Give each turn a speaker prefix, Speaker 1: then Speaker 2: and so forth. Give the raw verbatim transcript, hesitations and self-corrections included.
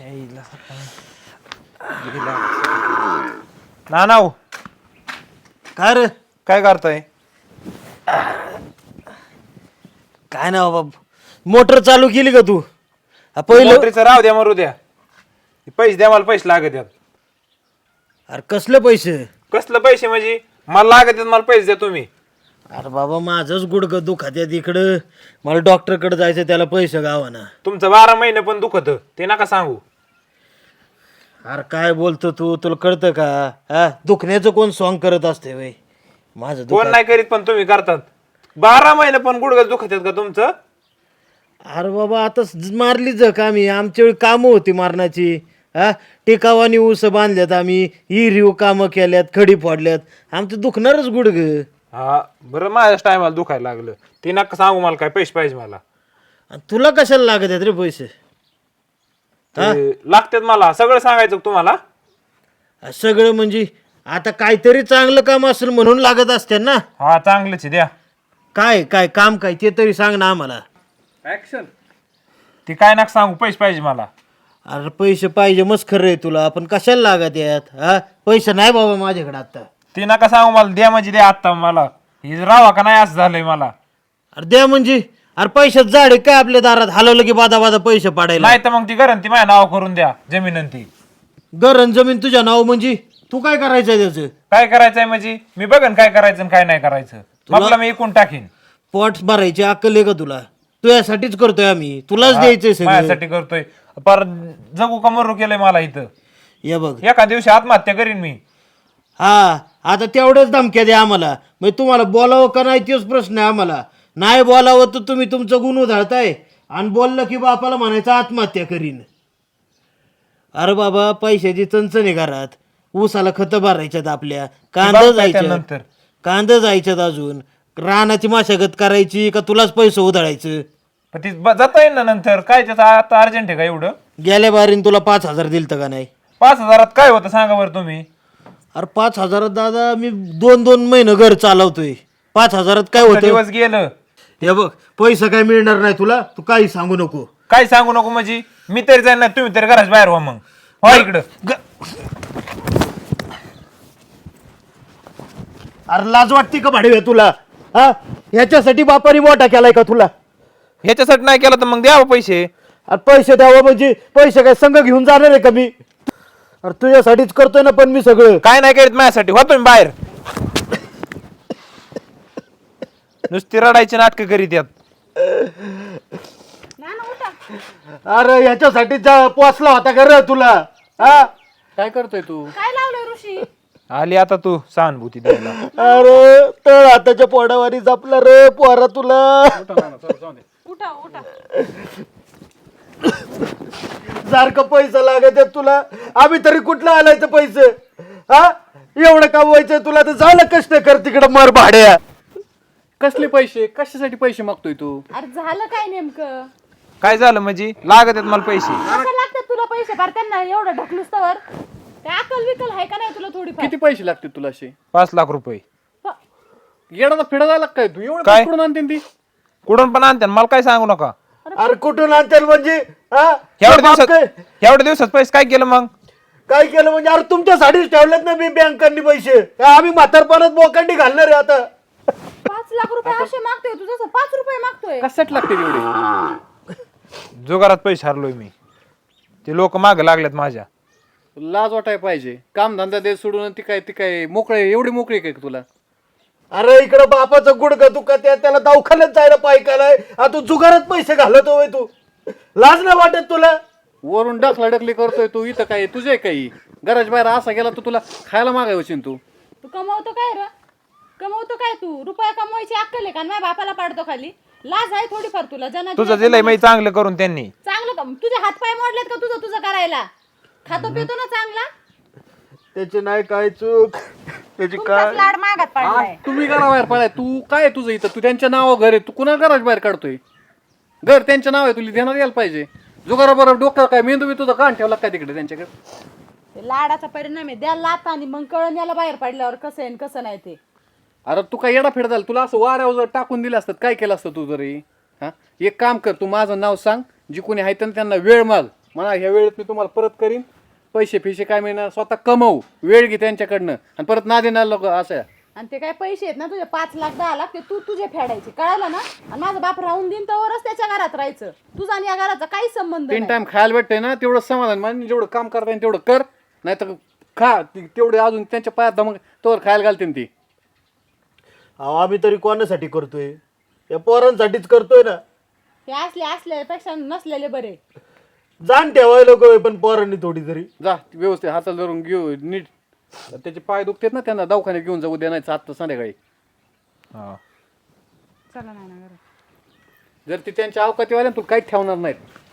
Speaker 1: ना नाव
Speaker 2: काय रे
Speaker 1: काय करताय?
Speaker 2: काय ना बाबा मोटर चालू केली का तू हा, पहिलं
Speaker 1: मोटरीचं राव द्या मरू द्या. पैसे द्या, मला पैसे लागत आहेत.
Speaker 2: अरे कसले पैसे?
Speaker 1: कसलं पैसे म्हणजे? मला लागत आहेत, मला पैसे द्या तुम्ही.
Speaker 2: अरे बाबा माझंच गुडघं दुखत आहे तिकडं, मला डॉक्टरकडे जायचं, त्याला पैसे गावाना.
Speaker 1: तुमचं बारा महिने पण दुखत ते नका सांगू.
Speaker 2: अरे काय बोलतो तू, तुला कळतं का? हा दुखण्याचं कोण सॉंग करत असते वय माझं
Speaker 1: कोण
Speaker 2: दुखत.
Speaker 1: नाही करीत पण तुम्ही करतात. बारा महिने पण गुडघ्यात दुखत आहेत का तुमचं?
Speaker 2: अरे बाबा आता मारली जख आम्ही, आमच्या वेळी कामं होती मारण्याची. हा टिकावानी ऊस बांधल्यात आम्ही, हिरीव कामं केल्यात, खडी फोडल्यात, आमचं दुखणारच गुडघं.
Speaker 1: हा बरं, माझ्याच टायमाला दुखायला लागलं ते नका सांगू. मला काय पैसे पाहिजे मला.
Speaker 2: आणि तुला कशाला लागत आहेत रे पैसे?
Speaker 1: ते लागतात मला, सगळं सांगायचं का तुम्हाला?
Speaker 2: सगळं म्हणजे आता काहीतरी चांगलं काम असेल म्हणून लागत असते ना.
Speaker 1: हा चांगलंच आहे, द्या.
Speaker 2: काय काय काम काय ते तरी सांग ना आम्हाला.
Speaker 1: ऍक्शन. ते काय नका सांगू, पैसे पाहिजे मला.
Speaker 2: अरे पैसे पाहिजे मस्त खरं आहे तुला, पण कशाला लागत यात? हा पैसे नाही बाबा माझ्याकडे आता.
Speaker 1: ते नका सांगू मला, द्या म्हणजे द्या आत्ता मला. हे रावा का नाही असं झालंय मला.
Speaker 2: अरे द्या म्हणजे अरे पैशात झाड आहे काय आपल्या दारात? हलवलं की बादा बादा पैसे पाडायला.
Speaker 1: नाही तर मग ती गरंती माझ्या नाव करून द्या जमीन. ती
Speaker 2: गरण जमीन तुझ्या नाव म्हणजे तू काय करायचंय त्याचं?
Speaker 1: काय करायचंय म्हणजे मी बघन काय करायचं आणि काय नाही करायचं. आपला मी इकून टाकीन.
Speaker 2: पोट भरायची अक्कल आहे का तुला? तुझ्यासाठीच करतोय आम्ही, तुलाच द्यायचंय सगळं.
Speaker 1: माझ्यासाठी करतोय. पर जगू का मरू केलंय मला इथं.
Speaker 2: या बघ
Speaker 1: एका दिवशी आत्महत्या करीन मी.
Speaker 2: हा आता तेवढ्याच धमक्या द्या आम्हाला. म्हणजे तुम्हाला बोलावं का नाही तोच प्रश्न आहे आम्हाला. नाही बोलावं तर तुम्ही तुमचं गुण उधळताय, आणि बोललं की बापाला म्हणायचं आत्महत्या करीन. अरे बाबा पैशाची चणचण आहे घरात, ऊसाला खतं भरायच्यात, आपल्या कांदा जायच्यात,
Speaker 1: नंतर
Speaker 2: कांदा जायच्यात, अजून रानाची मशागत करायची का तुलाच पैसे उधळायचं?
Speaker 1: पण ती जाता येईल ना नंतर. काय त्याचं आता अर्जंट आहे का एवढं?
Speaker 2: गेल्या बारीन तुला पाच हजार दिलतं का नाही?
Speaker 1: पाच हजारात काय होतं सांगा बरं तुम्ही.
Speaker 2: अरे पाच हजारात दादा मी दोन दोन महिने घर चालवतोय. पाच हजारात काय होतं?
Speaker 1: दिवस गेलं.
Speaker 2: हे बघ पैसा काय मिळणार नाही तुला, तू काही सांगू नको.
Speaker 1: काय सांगू नको म्हणजे? मी तरी जाईन ना, तुम्ही तरी घराच्या बाहेर व्हा मग. हो इकडं.
Speaker 2: अरे लाज वाटते का भाडे तुला? हा ह्याच्यासाठी बापाने मोठा केलाय का तुला?
Speaker 1: ह्याच्यासाठी नाही केलं तर मग द्यावं पैसे.
Speaker 2: अरे पैसे द्यावं म्हणजे पैसे काय संघ घेऊन जाणार आहे का मी? अरे तुझ्यासाठीच करतोय ना पण मी सगळं.
Speaker 1: काय नाही करीत माझ्यासाठी. हो तुम्ही बाहेर. नुसती रडायची नाटकं करीत यात.
Speaker 2: अरे ह्याच्यासाठी पोचला होता का रे तुला? हा
Speaker 3: काय करतोय तू?
Speaker 4: काय लावलंय ऋषी?
Speaker 1: आली आता तू सहानुभूती द्यायला.
Speaker 2: अरे तळ हाताच्या पोडावारी जपला रे पोरा तुला.
Speaker 4: उठा उठा.
Speaker 2: सारखं पैसा लागत आहे तुला, आम्ही तरी कुठलं आलायचं पैसे? हा एवढं कमवायचं तुला तर झालं, कष्ट कर तिकडं मर भाड्या.
Speaker 3: कसले पैसे? कशासाठी पैसे मागतोय तू?
Speaker 4: अरे झालं काय नेमकं?
Speaker 1: काय झालं म्हणजे? लागत आहेत मला पैसे.
Speaker 4: कसं लागतात तुला पैसे? भर त्यांना एवढं ढकलूस तर काय अकल विकल आहे का नाही तुला थोडीफार?
Speaker 3: किती पैसे लागतील तुला असे?
Speaker 1: पाच लाख रुपये.
Speaker 3: येडाचा फिडा जायला काय तू? एवढं
Speaker 1: काय?
Speaker 3: कुठून आणते ती?
Speaker 1: कुठून पण आणते मला काय सांगू नका.
Speaker 2: अरे कुठून आणतील म्हणजे? हा
Speaker 1: एवढ्या
Speaker 2: बाप
Speaker 1: दिवसात
Speaker 2: काय
Speaker 1: एवढ्या दिवसात पैसे काय केलं मग?
Speaker 2: काय केलं म्हणजे? अरे तुमच्यासाठीच ठेवलेत ना मी बँकांनी पैसे. आम्ही म्हातारपणात बोकांडी घालणार आहे आता.
Speaker 4: पाच लाख रुपये असे मागतोय तू, जसं पाच रुपये मागतोय.
Speaker 3: कशासाठी लागते एवढे?
Speaker 1: जुगारात पैसे हरलोय मी. ते लोक मागे लागलेत माझ्या.
Speaker 3: लाज वाटाय पाहिजे. काम धंदा दे सोडून ती काय ती काय मोकळे एवढी मोकळी काय तुला?
Speaker 2: अरे इकडं बापाचं गुडघं दुखत आहे, त्याला दवाखान्यात जायला पाय केलाय, आता तू जुगारात पैसे घालतो होय तू? लाज नाही वाटत तुला?
Speaker 3: वरून डखला डकली करतोय तू. इथं काय तुझे काही घराच्या बाहेर असा गेला तर तुला खायला मागायची तू.
Speaker 4: तू कमवतो काय रे? कमवतो काय तू? रुपया कमवायची अक्कल आहे का? माझ्या बापाला पाडतो खाली. लाज आहे थोडीफार तुला? जना
Speaker 1: तुझं दिलंय मी चांगलं करून त्यांनी.
Speaker 4: चांगलं का? तुझे हात पाय मोडलेत का तुझं तुझं करायला? खातो पितो ना चांगला?
Speaker 2: त्याची नाही काय चूक, त्याची काय.
Speaker 4: लाड मागात पडलाय.
Speaker 3: तुम्ही घराबाहेर पडाय. तू काय तुझं इथं? तू त्यांच्या नावावर घर आहे, तू कुणा घराच्या बाहेर काढतोय? घर त्यांच्या नाव आहे, तुला ध्यानात यायला पाहिजे. जुगाराबरोबर डोक्यावर काय मेंदू बी तुझा कान ठेवला काय तिकडे त्यांच्याकडे?
Speaker 4: लाडाचा परिणाम आहे. द्या लात आणि मग कळण याला बाहेर पडल्यावर कसं आहे कसं नाही ते.
Speaker 3: अरे तू काय येडा फेड झाला? तुला असं वाऱ्यावर जर टाकून दिलं असतं काय केलं असतं तू? जरी हा एक काम कर, तू माझं नाव सांग, जी कोणी आहे त्यांना वेळ माग, म्हणा ह्या वेळेत मी तुम्हाला परत करीन, पैसे फिशे काय मिळणार, स्वतः कमवू, वेळ घे त्यांच्याकडनं आणि परत ना देणार लोक असं.
Speaker 4: आणि ते काय पैसे आहेत ना तुझे पाच लाख दहा लाख ते तू तुझे फेडायचे, कळालं ना. आणि माझा बाप राहून देईन तरच त्याच्या घरात राहायचं, तुझा आणि या घराचा काही संबंध
Speaker 3: तीन
Speaker 4: नाही.
Speaker 3: टाइम खायला भेटतंय ना, तेवढं समाधान मान, जेवढं काम करता येईल तेवढं कर, नाही तर खा ती- तेवढे अजून त्यांच्या पायात दमक तोवर खायला घालते ती.
Speaker 2: अहो आम्ही तरी कोणासाठी करतोय? या पोरांसाठीच करतोय ना.
Speaker 4: हे असले असल्यापेक्षा नसलेले बरे.
Speaker 2: जाण ठेवायला लोक पण पोरांनी थोडी तरी.
Speaker 3: जा व्यवस्थित हाताला धरून घेऊ नीट, त्याचे पाय दुखतात ना, त्यांना दवाखान्यात घेऊन जाऊ द्या, नाही आत्ता संध्याकाळी.
Speaker 1: हा.
Speaker 4: चला नाही ना घरात.
Speaker 3: जर ती त्यांच्या अवकातीवाल्या तुला काहीच ठेवणार नाहीत.